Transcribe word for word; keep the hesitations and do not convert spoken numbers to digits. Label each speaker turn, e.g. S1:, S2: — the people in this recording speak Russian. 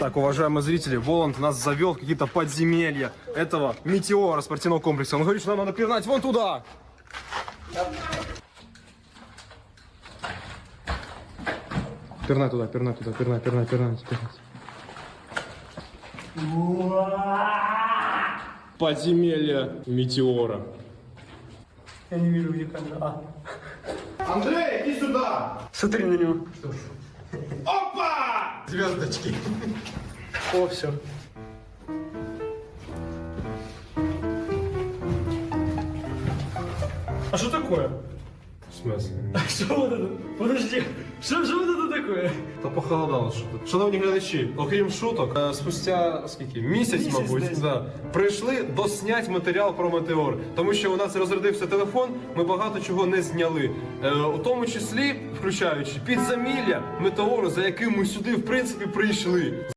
S1: Так, уважаемые зрители, Воланд нас завел в какие-то подземелья этого метеора спортивного комплекса. Он говорит, что нам надо пирнать вон туда. Пирнай туда, пирнай туда, пирнай, пирнай, пирнай, пирнай. Подземелье метеора.
S2: Я не вижу, где камера. А.
S1: Андрей, иди сюда!
S2: Смотри на него.
S1: Опа! Звездочки.
S2: О, все. А что такое?
S1: В смысле?
S2: Что вот это? Подожди, что же вот это такое?
S1: Та похолодало що. Шановні глядачі, окрім шуток, е, спустя скільки? Місяць,
S2: Місяць
S1: мабуть,
S2: десь.
S1: да, прийшли доснять матеріал про метеор. Тому що у нас розрядився телефон, ми багато чого не зняли. Е, у тому числі, включаючи підзамілля метеору, за яким ми сюди, в принципі, прийшли.